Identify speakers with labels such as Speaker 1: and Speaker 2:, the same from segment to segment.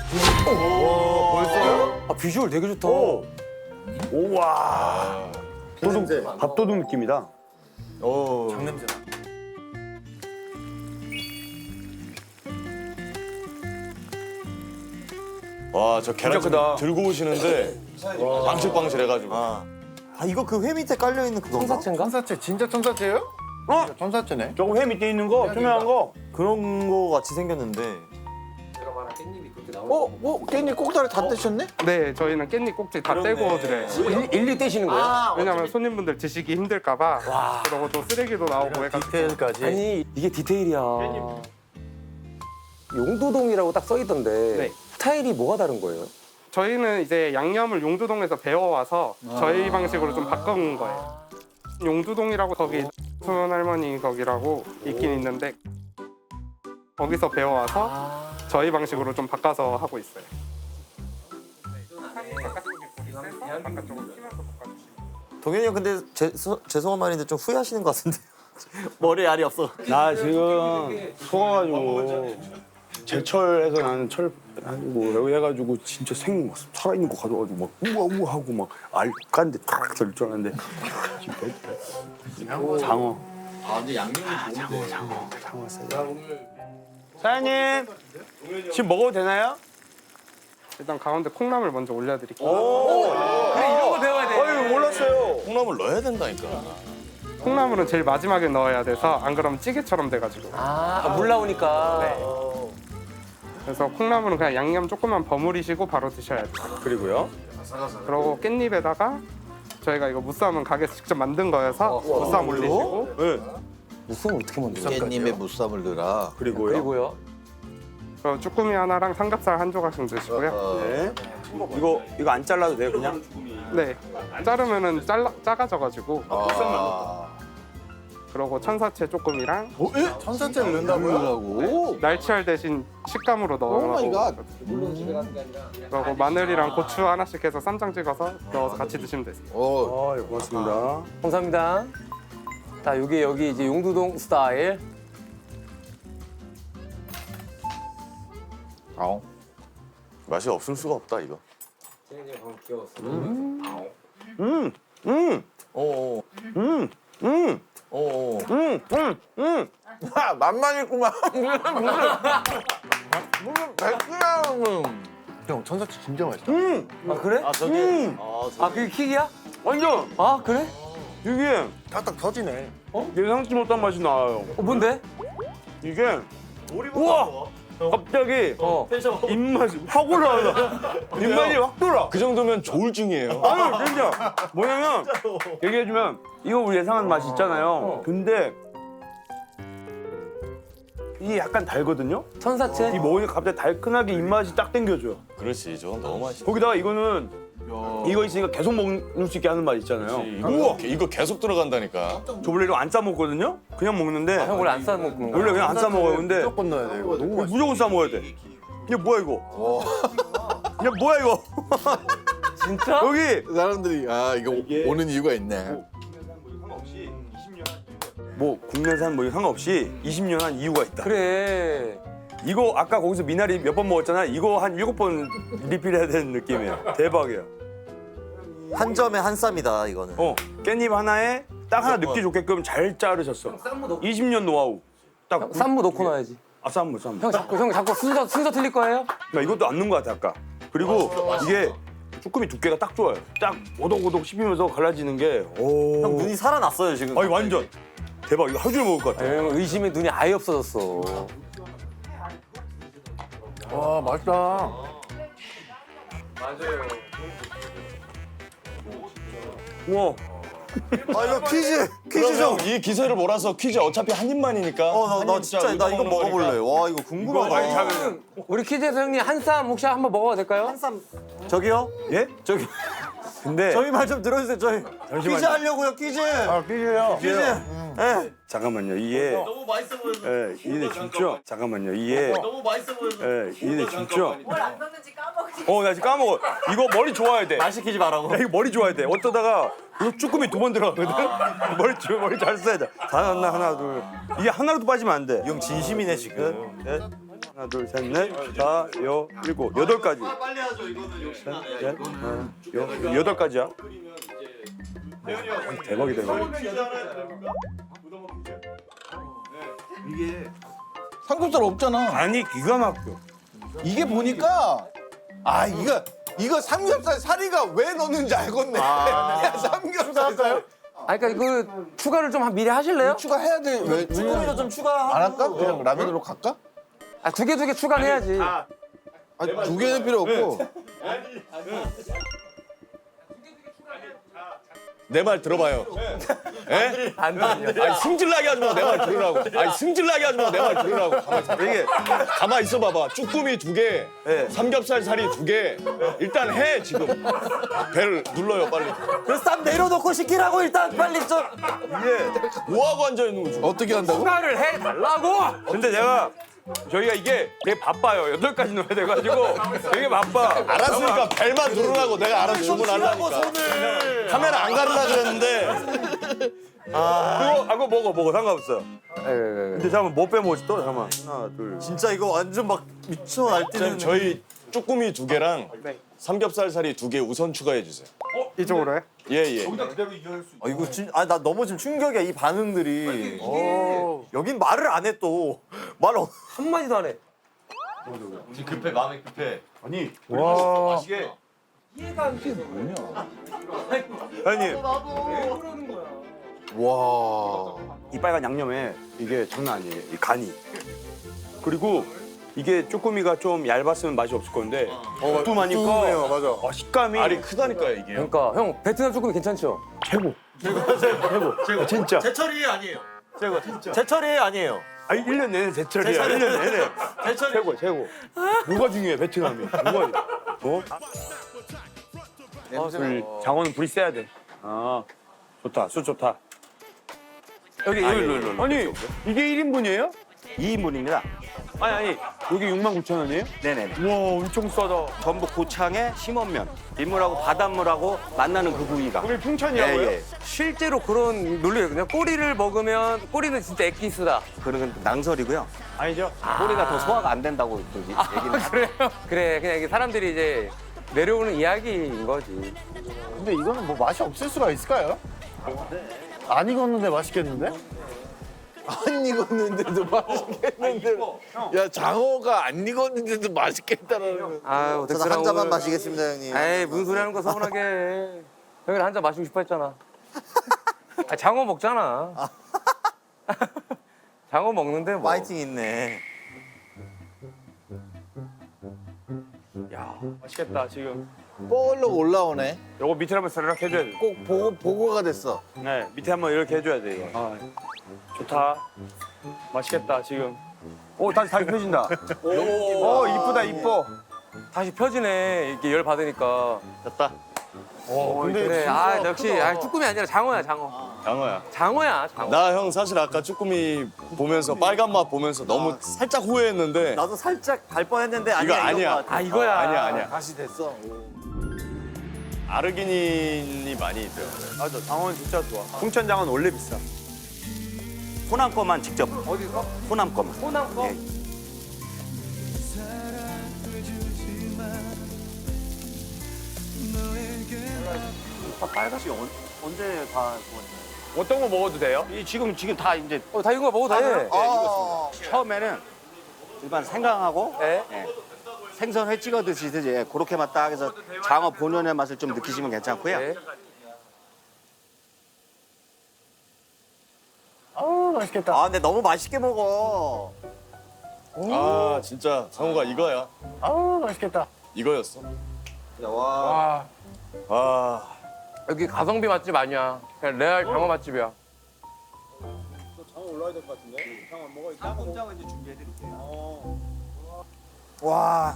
Speaker 1: 벌써요?
Speaker 2: 아, 비주얼 되게 좋다.
Speaker 3: 우와. 밥도둑 느낌이다.
Speaker 1: 장냄새.
Speaker 4: 와, 저 계란
Speaker 3: 크다.
Speaker 4: 들고 오시는데 방실방실해가지고.
Speaker 1: 아 이거 그 회 밑에 깔려 있는 그건가?
Speaker 2: 천사채인가?
Speaker 5: 천사채 진짜 천사채예요?
Speaker 3: 어?
Speaker 5: 천사채네.
Speaker 3: 저거 회 밑에 있는 거, 투명한 거.
Speaker 1: 그런 거 같이 생겼는데.
Speaker 2: 제가 말한 깻잎이 그렇게 나오는
Speaker 5: 깻잎 꼭다리 다 떼셨네?
Speaker 6: 네, 저희는 깻잎 꼭지 다 떼고 드려요.
Speaker 2: 일일이 떼시는 거예요?
Speaker 6: 왜냐면 손님분들 드시기 힘들까봐. 그러고 또 쓰레기도 나오고 해가지고.
Speaker 1: 디테일까지.
Speaker 2: 아니 이게 디테일이야. 용두동이라고 딱 써있던데
Speaker 6: 네.
Speaker 2: 스타일이 뭐가 다른 거예요?
Speaker 6: 저희는 이제 양념을 용두동에서 배워와서 저희 방식으로 좀 바꾼 거예요. 용두동이라고 거기 순 할머니 거기라고 있긴 있는데 거기서 배워와서 저희 방식으로 좀 바꿔서 하고 있어요.
Speaker 1: 동현이 형 근데 죄송한 말인데 좀 후회하시는 것 같은데. 머리에 알이 없어.
Speaker 3: 나 지금 속아가지고 제철해서 나는 철 하고 여기 해가지고 진짜 생 살아있는 거 가져가지고 막 우와 하고 막 알간데 탁 들 줄 알았는데 장어.
Speaker 5: 아 근데 양념이 좋은데.
Speaker 3: 장어 사장님 지금 먹어도 되나요?
Speaker 6: 일단 가운데 콩나물 먼저 올려드릴게요.
Speaker 2: 그래 이런 거 배워야 돼.
Speaker 3: 어이 몰랐어요.
Speaker 4: 콩나물 넣어야 된다니까.
Speaker 6: 콩나물은 제일 마지막에 넣어야 돼서 안 그러면 찌개처럼 돼가지고.
Speaker 2: 물 나오니까.
Speaker 6: 그래서 콩나물은 그냥 양념 조금만 버무리시고 바로 드셔야 돼요.
Speaker 3: 그리고요.
Speaker 6: 그리고 깻잎에다가 저희가 이거 무쌈은 가게에서 직접 만든 거여서 무쌈 올리시고
Speaker 3: 네.
Speaker 2: 무슨 어떻게 만들어?
Speaker 5: 깻잎에 무쌈을 넣어라.
Speaker 3: 그리고요.
Speaker 2: 그리고요.
Speaker 6: 그리고 쭈꾸미 하나랑 삼겹살 한 조각씩 드시고요.
Speaker 3: 네. 이거 안 잘라도 돼요 그냥?
Speaker 6: 네, 자르면은 작아져가지고.
Speaker 5: 아.
Speaker 6: 그리고 천사채 조금이랑
Speaker 5: 천사채를 넣는다고요?
Speaker 6: 날치알 대신 식감으로
Speaker 5: 오 마이 갓.
Speaker 6: 그리고 마늘이랑 고추 하나씩 해서 쌈장 찍어서 넣어서 같이 드시면 되세요.
Speaker 5: 오.
Speaker 3: 예, 고맙습니다.
Speaker 2: 감사합니다. 자 여기 이제 용두동 스타일.
Speaker 5: 아우.
Speaker 4: 맛이 없을 수가 없다 이거.
Speaker 5: 맛만 있구만. 무슨 백그라운. 형 천사채 진짜 맛있다.
Speaker 2: 아 그래?
Speaker 1: 아 저기.
Speaker 2: 아 그게 킥이야?
Speaker 3: 완전
Speaker 2: 아 그래?
Speaker 3: 이게
Speaker 5: 딱딱 터지네.
Speaker 3: 예상치 못한 맛이 나요.
Speaker 2: 뭔데?
Speaker 3: 이게 우와 갑자기 입맛이 확 올라와. 입맛이 확 돌아.
Speaker 4: 그 정도면 조울증이에요.
Speaker 3: 아유 진짜 뭐냐면 얘기해주면 이거 우리 예상한 맛이 있잖아요. 근데 이게 약간 달거든요.
Speaker 2: 천사채?
Speaker 3: 이 먹으니까 갑자기 달큰하게 입맛이 딱 땡겨줘요.
Speaker 4: 그렇지, 저건 너무 맛있어.
Speaker 3: 거기다가 이거는 이거 있으니까 계속 먹을 수 있게 하는 맛 있잖아요.
Speaker 4: 이거 계속 들어간다니까.
Speaker 3: 저 원래 이거 안 싸 먹거든요. 그냥 먹는데
Speaker 2: 형 원래 안 싸 먹는 거야?
Speaker 3: 원래 그냥 안 싸 먹어요. 근데
Speaker 5: 무조건 넣어야 돼. 이거 너무 맛있어.
Speaker 3: 무조건 싸 먹어야 돼. 이게 뭐야 이거? 이게 뭐야 이거?
Speaker 2: 진짜?
Speaker 3: 여기
Speaker 5: 사람들이 아 이거 오는 이유가 있네.
Speaker 3: 뭐 국내산 뭐 상관없이 20년 한 이유가 있다.
Speaker 2: 그래.
Speaker 3: 이거 아까 거기서 미나리 몇 번 먹었잖아. 이거 한 7번 리필해야 되는 느낌이야. 대박이야.
Speaker 1: 한 점에 한 쌈이다 이거는.
Speaker 3: 깻잎 하나에 딱 하나 넣기 좋게끔 잘 자르셨어. 20년 노하우. 딱
Speaker 2: 쌈무 넣고 놔야지.
Speaker 3: 쌈무.
Speaker 2: 형 자꾸 순서 틀릴 거예요?
Speaker 3: 나 이것도 안 넣은 것 같아 아까. 그리고 이게 쭈꾸미 두께가 딱 좋아요. 딱 오독오독 씹히면서 갈라지는 게. 오.
Speaker 1: 형 눈이 살아났어요 지금.
Speaker 3: 아니 완전 대박. 이거 하루 종일 먹을 것 같아.
Speaker 2: 형 의심의 눈이 아예 없어졌어.
Speaker 5: 와 맛있다.
Speaker 3: 우와.
Speaker 1: 아 이거 퀴즈
Speaker 4: 그럼 이 기세를 몰아서 퀴즈 어차피 한 입만이니까.
Speaker 1: 나 진짜 나 이거 먹어볼래. 와 이거 궁금하다.
Speaker 3: 많이 잘하네.
Speaker 2: 우리 퀴즈에서 형님 한 쌈 혹시 한번 먹어도 될까요?
Speaker 1: 한쌈 저기요?
Speaker 3: 예?
Speaker 1: 저기
Speaker 3: 근데
Speaker 1: 저희 말 좀 들어주세요. 저희 퀴즈 하려고요 퀴즈.
Speaker 3: 퀴즈요.
Speaker 1: 퀴즈. 예.
Speaker 3: 잠깐만요. 이게
Speaker 1: 너무 맛있어 보여서.
Speaker 3: 예, 이게 진짜 잠깐만요. 이게
Speaker 1: 너무 맛있어 보여서.
Speaker 3: 예, 이게 진짜
Speaker 7: 뭘 안 넣는지 까먹으니.
Speaker 3: 나 지금 까먹어. 이거 머리 좋아야 돼.
Speaker 1: 말 시키지 말라고.
Speaker 3: 야, 이거 머리 좋아야 돼. 어쩌다가 이거 쭈꾸미 2번 들어가거든. 머리 잘 써야 돼. 다 넣나 하나 둘. 이게 하나라도 빠지면 안 돼.
Speaker 1: 이 형 진심이네 지금. 예?
Speaker 3: 하나, 둘, 셋, 넷, 다, 여, 일곱, 여덟 가지.
Speaker 1: 빨리 하죠. 이거는
Speaker 3: 넷, 여덟 가지야. 대박이다 이거.
Speaker 5: 삼겹살 없잖아.
Speaker 3: 아니 기가 막혀.
Speaker 5: 이게 보니까 아 이거 삼겹살 사리가 왜 넣는지 알겠네. 야, 삼겹살 살
Speaker 2: 아 그러니까 그 추가를 좀 미리 하실래요?
Speaker 5: 추가해야 돼. 왜?
Speaker 1: 쭈꾸미도 좀 추가하고.
Speaker 5: 안 할까? 그냥 라면으로 갈까?
Speaker 2: 아 두 개 추가는 해야지.
Speaker 5: 아니 두 개는 필요 없고.
Speaker 4: 내 말 들어봐요. 예?
Speaker 2: 안 돼.
Speaker 4: 아니 승질나게 하지 마. 내 말 들으라고. 아니 승질나게 하지 마. 내 말 들으라고. 가만 있어 봐봐. 쭈꾸미 2개, 삼겹살 살이 2개. 일단 해 지금. 배를 눌러요 빨리.
Speaker 1: 그 쌈 내려놓고 시키라고 일단 빨리 좀.
Speaker 4: 뭐 하고 앉아 있는 거지?
Speaker 5: 어떻게 한다고?
Speaker 2: 추가를 해 달라고.
Speaker 3: 근데 내가 저희가 이게 되게 바빠요. 8가지 넣어야 돼가지고 되게 바빠.
Speaker 4: 알았으니까 벨만 누르라고 내가 알아서 주문하려니까. 카메라 안 가르라 그랬는데.
Speaker 3: 그거 먹어 상관없어. 근데 잠깐만 뭐 빼먹었지 또? 잠깐만 하나 둘.
Speaker 1: 진짜 이거 완전 막 미쳐 날뛰는.
Speaker 4: 저희 쭈꾸미 2개랑 삼겹살 살이 2개 우선 추가해 주세요.
Speaker 6: 이쪽으로요?
Speaker 4: 예.
Speaker 1: 이거 나 너무 지금 충격이야 이 반응들이. 여긴 말을 안 해 또.
Speaker 2: 한 마디도 안 해.
Speaker 1: 지금 급해 마음이 급해.
Speaker 3: 와.
Speaker 1: 맛있게.
Speaker 3: 형님
Speaker 5: 와.
Speaker 3: 이 빨간 양념에 이게 장난 아니에요. 이 간이. 그리고 이게 쭈꾸미가 좀 얇았으면 맛이 없을 건데 두툼하니까
Speaker 5: 맞아.
Speaker 3: 식감이
Speaker 4: 알이 크다니까요 이게.
Speaker 2: 그러니까 형 베트남 쭈꾸미 괜찮죠?
Speaker 3: 최고. 진짜.
Speaker 1: 제철이 아니에요. 제철이 아니에요.
Speaker 3: 아니 1년 내내 제철이야. 1년 내내.
Speaker 1: 제철이.
Speaker 3: 최고. 뭐가 중요해 베트남이. 뭐가 어? 장어는 불이 세야 돼. 아 좋다. 술 좋다.
Speaker 2: 여기 일로.
Speaker 3: 아니 이게 1인분이에요?
Speaker 8: 2인분입니다.
Speaker 3: 아니 여기 69,000원이에요?
Speaker 8: 네네.
Speaker 3: 우와 엄청 싸다.
Speaker 8: 전북 고창의 심원면, 민물하고 바닷물하고 만나는 그 부위가.
Speaker 3: 거기 풍천이라고요?
Speaker 8: 예.
Speaker 2: 실제로 그런 논리예요. 그냥 꼬리를 먹으면 꼬리는 진짜 액기스다.
Speaker 8: 그런 건 낭설이고요.
Speaker 3: 아니죠?
Speaker 8: 꼬리가 더 소화가 안 된다고 또 얘기는.
Speaker 2: 그래요? 그래 그냥 이게 사람들이 이제 내려오는 이야기인 거지.
Speaker 5: 근데 이거는 뭐 맛이 없을 수가 있을까요? 안 익었는데 맛있겠는데? 안 익었는데도 맛있겠는데. 야 장어가 안 익었는데도 맛있겠다라는.
Speaker 2: 아유
Speaker 1: 저는 한 잔만 마시겠습니다 형님.
Speaker 2: 에이 무슨 소리 하는 거 서운하게 해. 형이 한 잔 마시고 싶어 했잖아. 아, 장어 먹잖아. 장어 먹는데 뭐.
Speaker 1: 파이팅 있네.
Speaker 3: 야 맛있겠다 지금.
Speaker 5: 볼록 올라오네.
Speaker 3: 요거 밑에 한번 사르륵 해줘야 돼.
Speaker 5: 꼭 보고가 됐어.
Speaker 3: 네 밑에 한번 이렇게 해줘야 돼 이거. 아 좋다. 맛있겠다 지금. 오 다시 펴진다. 오 이쁘다 이뻐.
Speaker 2: 다시 펴지네. 이렇게 열 받으니까.
Speaker 1: 됐다.
Speaker 3: 근데
Speaker 2: 그래. 아 역시 쭈꾸미 아니라 장어야 장어.
Speaker 4: 장어야.
Speaker 2: 장어야 장어.
Speaker 4: 나 형 사실 아까 쭈꾸미 보면서 빨간 맛 보면서 너무 살짝 후회했는데
Speaker 1: 나도 살짝 갈 뻔했는데
Speaker 4: 이거
Speaker 1: 아니야.
Speaker 4: 아니야.
Speaker 1: 이거
Speaker 2: 아 이거야.
Speaker 4: 아니야.
Speaker 5: 다시 됐어.
Speaker 4: 아르기닌이 많이 있대요.
Speaker 3: 맞아 장어는 진짜 좋아. 풍천장어는 원래 비싸.
Speaker 8: 호남 거만 직접. 어디서? 호남 거만.
Speaker 2: 호남 거?
Speaker 8: 예.
Speaker 1: 빨갛지 언제 다
Speaker 3: 어떤 거 먹어도 돼요?
Speaker 8: 이 지금 다 이제
Speaker 2: 다 익은 거 먹어도 돼.
Speaker 8: 처음에는 일반 생강하고
Speaker 2: 네.
Speaker 8: 생선 회 찍어 드시듯이 그렇게만 딱 해서 장어 본연의 맛을 좀 느끼시면 괜찮고요.
Speaker 2: 네.
Speaker 1: 아 근데 너무 맛있게 먹어.
Speaker 4: 아 진짜 상호가 이거야.
Speaker 5: 아우 맛있겠다.
Speaker 4: 이거였어.
Speaker 1: 와.
Speaker 4: 아
Speaker 2: 여기 가성비 맛집 아니야. 그냥 레알 장어 맛집이야.
Speaker 1: 와.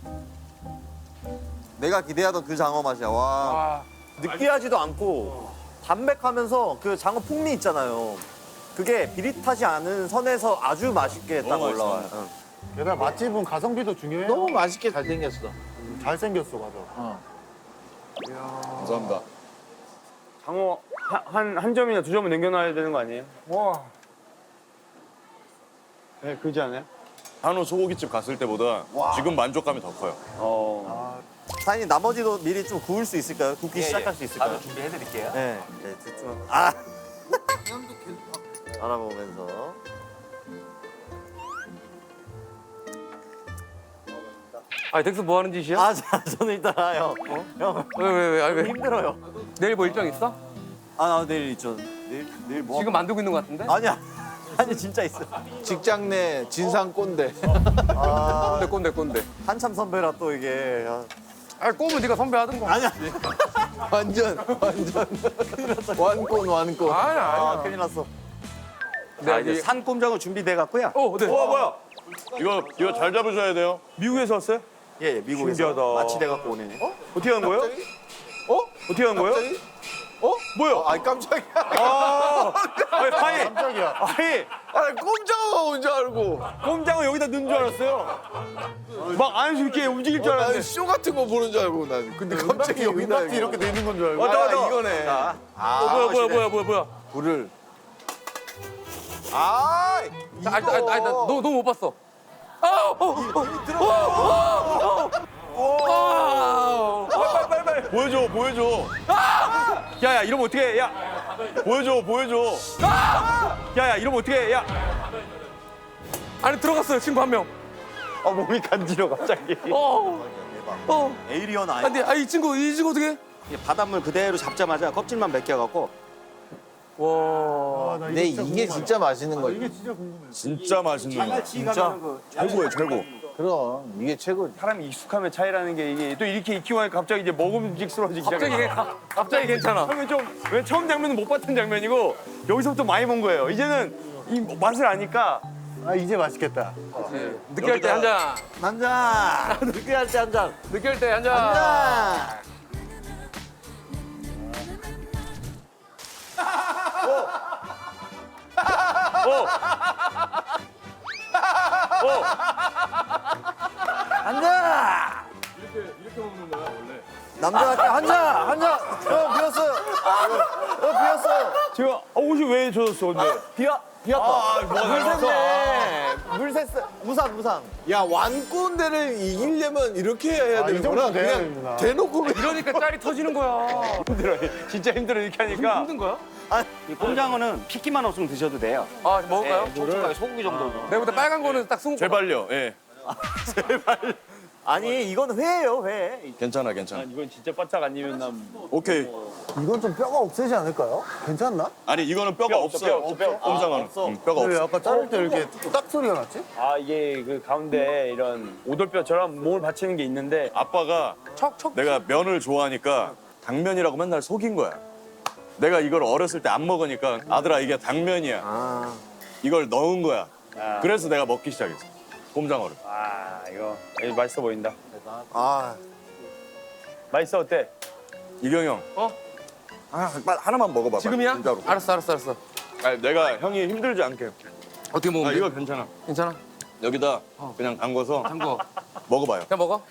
Speaker 1: 내가 기대하던 그 장어 맛이야. 와. 느끼하지도 않고 담백하면서 그 장어 풍미 있잖아요. 그게 비릿하지 않은 선에서 아주 맛있게 딱
Speaker 4: 너무 맛있어.
Speaker 1: 올라와요. 응.
Speaker 5: 게다가 맛집은 가성비도 중요해. 너무 맛있게 잘생겼어. 잘생겼어 맞아.
Speaker 4: 감사합니다.
Speaker 3: 장어 한 점이나 두 점은 남겨놔야 되는 거 아니에요?
Speaker 5: 와.
Speaker 3: 네 그러지 않아요?
Speaker 4: 한우 소고기집 갔을 때보다 지금 만족감이 더 커요.
Speaker 1: 사장님 나머지도 미리 좀 구울 수 있을까요? 굽기 시작할 수 있을까요?
Speaker 2: 바로 준비해드릴게요.
Speaker 1: 네. 네, 좀 아. 알아보면서.
Speaker 2: 아, 덱스 뭐 하는 짓이야?
Speaker 1: 아, 저는 일단 형. 형.
Speaker 2: 왜? 아니, 왜?
Speaker 1: 힘들어요.
Speaker 2: 내일 뭐 일정 있어?
Speaker 1: 나 내일 있죠. 내일 뭐?
Speaker 2: 지금 만들고 있는 것 같은데?
Speaker 1: 아니야. 아니 진짜 있어.
Speaker 5: 직장 내 진상 꼰대.
Speaker 2: 꼰대.
Speaker 1: 한참 선배라 또 이게.
Speaker 2: 아, 꼬면 네가 선배하던가.
Speaker 1: 아니야.
Speaker 5: 완전 완꼰.
Speaker 2: 아니야.
Speaker 1: 큰일 났어.
Speaker 8: 자, 이제 산꼼장어 준비돼 갖고요.
Speaker 2: 네.
Speaker 4: 뭐야? 이거 잘 잡으셔야 돼요. 미국에서 왔어요?
Speaker 1: 예, 미국에서
Speaker 4: 신기하다.
Speaker 1: 마취돼 갖고 오네.
Speaker 4: 어떻게 한 거예요? 어떻게 한 거예요?
Speaker 5: 갑자기?
Speaker 4: 뭐야?
Speaker 5: 아이 깜짝이야.
Speaker 4: 깜짝이야.
Speaker 5: 아니 꼼장어가 온 줄 알고.
Speaker 4: 꼼장어 여기다 넣은 줄 알았어요. 막 안에서 이렇게 움직일 줄 알았는데.
Speaker 5: 나는 쇼 같은 거 보는 줄 알고 난. 근데 갑자기 여기다 이렇게 돼 있는 건 줄 알고.
Speaker 4: 맞다.
Speaker 5: 이거네.
Speaker 2: 뭐야?
Speaker 5: 불을. 아, 이거.
Speaker 2: 너 못 봤어.
Speaker 4: 빨리. 보여줘. 야, 이러면 어떡해? 야, 보여줘. 야, 이러면 어떡해? 야.
Speaker 2: 안에 들어갔어요, 친구 한 명.
Speaker 1: 몸이 간지러 갑자기. 에이리언 아이.
Speaker 2: 근데 이 친구 어떻게?
Speaker 8: 이게 바닷물 그대로 잡자마자 껍질만 벗겨 갖고
Speaker 2: 와.
Speaker 5: 근데 이게 진짜 맛있는 거지.
Speaker 4: 진짜 맛있는 거.
Speaker 1: 진짜.
Speaker 4: 최고.
Speaker 5: 그럼 이게 최고.
Speaker 4: 사람이 익숙함의 차이라는 게 이게 또 이렇게 익히고 하니까 갑자기 이제 먹음직스러워지기
Speaker 2: 갑자기 괜찮아.
Speaker 4: 처음에 왜 처음 장면은 못 봤던 장면이고 여기서부터 많이 본 거예요. 이제는 이 맛을 아니까
Speaker 5: 이제 맛있겠다.
Speaker 2: 느끼할 때 한 잔.
Speaker 1: 한 잔. 느끼할 때 한 잔.
Speaker 2: 느끼할 때 한 잔.
Speaker 1: 한 잔. 이렇게 먹는 거야 원래. 남자한테 한 잔. 한 잔. 비었어요. 비었어요.
Speaker 4: 제가 옷이 왜 젖었어 근데?
Speaker 1: 비었다.
Speaker 4: 물 샜네.
Speaker 1: 물 샜어. 무상.
Speaker 5: 야 완꼰대를 이기려면 이렇게 해야 되는구나. 그냥 대놓고
Speaker 2: 이러니까 짤이 터지는 거야.
Speaker 4: 진짜 힘들어 이렇게 하니까.
Speaker 2: 힘든 거야?
Speaker 8: 이 꼼장어는 핏기만 없으면 드셔도 돼요.
Speaker 2: 아, 먹을까요?
Speaker 8: 촉촉하게 소고기 정도로.
Speaker 2: 내가 볼때 빨간 거는 딱 스무.
Speaker 4: 제발요. 예.
Speaker 1: 아니 이건 회예요 회.
Speaker 4: 괜찮아.
Speaker 9: 이건 진짜 바짝 안 익으면 난
Speaker 4: 오케이.
Speaker 5: 이건 좀 뼈가 없애지 않을까요? 괜찮나?
Speaker 4: 아니 이거는 뼈가 없어요. 꼼장어는. 뼈가 없어.
Speaker 5: 아까 자를 때 이렇게 딱 소리가 났지?
Speaker 9: 아 이게 그 가운데 이런 오돌뼈처럼 몸을 받치는 게 있는데
Speaker 4: 아빠가
Speaker 2: 척.
Speaker 4: 내가 면을 좋아하니까 당면이라고 맨날 속인 거야. 내가 이걸 어렸을 때 안 먹으니까 아들아 이게 당면이야. 이걸 넣은 거야. 그래서 내가 먹기 시작했어. 꼼장어를.
Speaker 9: 이거 맛있어 보인다.
Speaker 1: 아
Speaker 9: 맛있어 어때?
Speaker 4: 이경이 형. 하나만 먹어봐.
Speaker 2: 지금이야?
Speaker 4: 진짜로.
Speaker 2: 알았어.
Speaker 4: 아니, 내가 형이 힘들지 않게.
Speaker 2: 어떻게 먹으면 돼?
Speaker 4: 이거 괜찮아.
Speaker 2: 괜찮아?
Speaker 4: 여기다 그냥 담궈서
Speaker 2: 담궈.
Speaker 4: 먹어봐요.
Speaker 2: 그냥 먹어.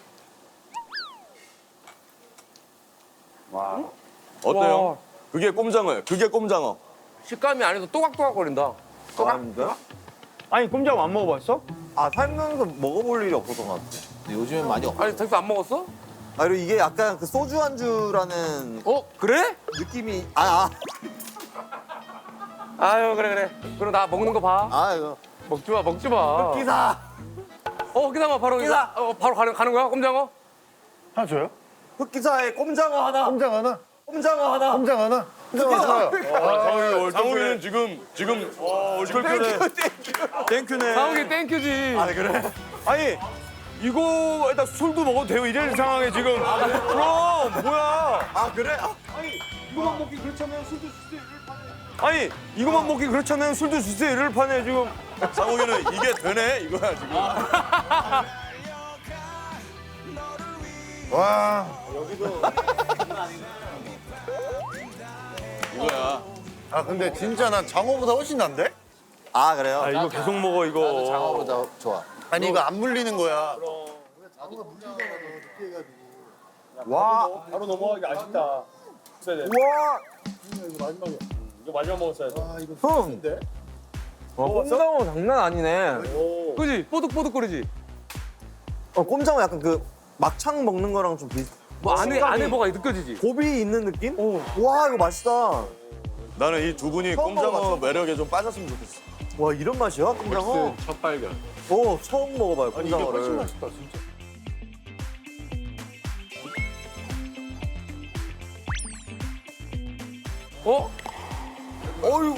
Speaker 4: 어때요?
Speaker 2: 와.
Speaker 4: 그게 꼼장어예요. 그게 꼼장어.
Speaker 2: 식감이 안에서 또각또각 거린다.
Speaker 9: 아니 꼼장어 안 먹어봤어?
Speaker 1: 살면서 먹어볼 일이 없었던 것 같아.
Speaker 5: 요즘엔 많이 없.
Speaker 2: 아니, 덱스 안 먹었어?
Speaker 1: 그리고 이게 약간 그 소주 안주라는
Speaker 2: 그래?
Speaker 1: 느낌이
Speaker 2: 아유, 그래. 그럼 나 먹는 거 봐.
Speaker 1: 이거
Speaker 2: 먹지 마.
Speaker 1: 기사
Speaker 2: 기사마 바로
Speaker 1: 기사.
Speaker 2: 바로 가는 거야? 꼼장어?
Speaker 5: 하나 줘요?
Speaker 1: 흑기사에 꼼장어 하나.
Speaker 5: 꼼장 하나?
Speaker 1: 꼼장어 하나.
Speaker 5: 꼼장 하나?
Speaker 4: 상욱이는 지금 얼떨결에 땡큐네.
Speaker 2: 상욱이 땡큐지.
Speaker 1: 그래?
Speaker 4: 아니 이거 일단 술도 먹어도 돼요. 이런 상황에 지금. 그럼 뭐야?
Speaker 1: 그래?
Speaker 4: 아니 이거만 먹기 그렇잖아요. 술도 주세요. 이럴 판에 지금. 상욱이는 이게 되네 이거야 지금.
Speaker 5: 와.
Speaker 4: 이거야.
Speaker 5: 근데 진짜 난 장어보다 훨씬 난데?
Speaker 1: 그래요?
Speaker 4: 이거 계속 먹어 이거.
Speaker 5: 장어보다 좋아. 아니 이거 안 물리는 거야.
Speaker 9: 바로 넘어가기 아쉽다.
Speaker 1: 와.
Speaker 9: 이거 마지막 먹었어야 돼.
Speaker 1: 형.
Speaker 2: 꼼장어 장난 아니네. 그지? 뽀득뽀득거리지?
Speaker 1: 꼼장어 약간 그 막창 먹는 거랑 좀 비슷.
Speaker 2: 뭐 안에 뭐가 느껴지지?
Speaker 1: 고비 있는 느낌? 와 이거 맛있다.
Speaker 4: 나는 이 두 분이
Speaker 1: 처음
Speaker 4: 꼼장어
Speaker 1: 먹어봤어.
Speaker 4: 매력에 좀 빠졌으면 좋겠어.
Speaker 1: 와 이런 맛이야 꼼장어?
Speaker 9: 첫 발견.
Speaker 1: 오 처음 먹어봐요 꼼장어를.
Speaker 9: 맛있다 진짜.
Speaker 2: 어?
Speaker 1: 어유.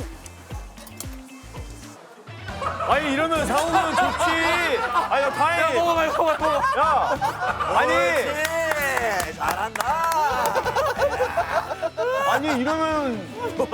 Speaker 9: 아니 이러면 상호는 좋지. 아니
Speaker 2: 야,
Speaker 9: 다행히.
Speaker 2: 먹어봐.
Speaker 9: 아니
Speaker 1: 잘한다.
Speaker 9: 아니 이러면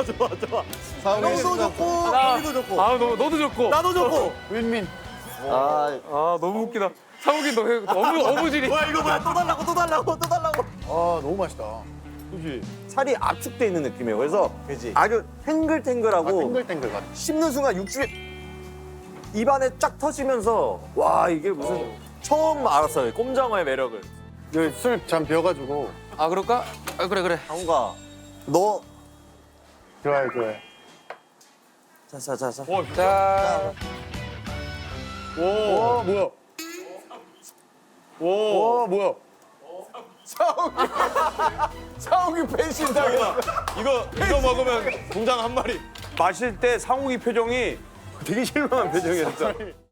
Speaker 1: 형도 좋고 우리도 좋고
Speaker 2: 아, 너도 좋고.
Speaker 1: 나도 좋고.
Speaker 5: 윈민.
Speaker 1: 아
Speaker 2: 아, 너무 웃기다. 상욱이 너 어부질이.
Speaker 1: 뭐야 이거 뭐야 또 달라고.
Speaker 5: 아 너무 맛있다.
Speaker 1: 살이 압축돼 있는 느낌이에요. 그래서 아주 탱글탱글하고
Speaker 5: 탱글탱글 같아.
Speaker 1: 씹는 순간 육즙이 입안에 쫙 터지면서 와 이게 무슨 처음 알았어요 꼼장어의 매력을.
Speaker 5: 여기 술 잠 비어가지고.
Speaker 2: 아, 그럴까? 아, 그래.
Speaker 1: 장우가 너
Speaker 5: 좋아해.
Speaker 1: 자자.
Speaker 2: 자,
Speaker 5: 와 뭐야? 와 뭐야? 사옥이 배신당했어.
Speaker 4: 이거 먹으면 공장 한 마리.
Speaker 9: 마실 때 상욱이 표정이 되게 실망한 표정이었어.